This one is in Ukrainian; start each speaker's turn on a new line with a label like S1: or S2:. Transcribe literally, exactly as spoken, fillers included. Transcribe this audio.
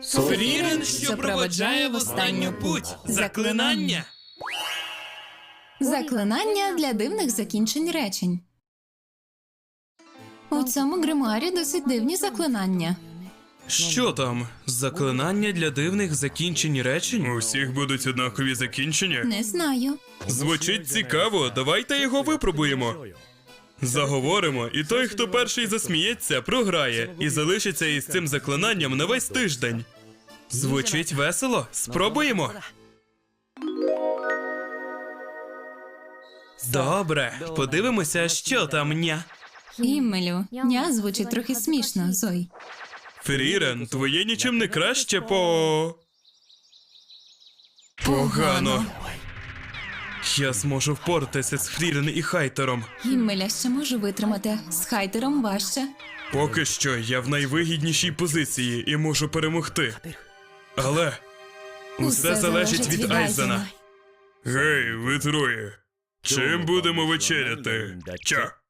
S1: Фрірен, що проведжає в останню путь. Заклинання.
S2: Заклинання для дивних закінчень речень. У цьому гримуарі досить дивні заклинання.
S1: Що там? Заклинання для дивних закінчень речень?
S3: У всіх будуть однакові закінчення?
S2: Не знаю.
S3: Звучить цікаво, давайте його випробуємо. Заговоримо, і той, хто перший засміється, програє і залишиться із цим заклинанням на весь тиждень.
S1: Звучить весело? Спробуємо. Добре, подивимося, що там ня.
S2: Іммелю, ня звучить трохи смішно, Зой.
S3: Фрірен, твоє нічим не краще по... Погано.
S1: Я зможу впоратися з Фрірен і Хайтером.
S2: Іммеля ще можу витримати, з Хайтером важче.
S3: Поки що я в найвигіднішій позиції і можу перемогти. Але усе залежить від Айзена. Гей, ви троє. Чим будемо вечеряти? Ча.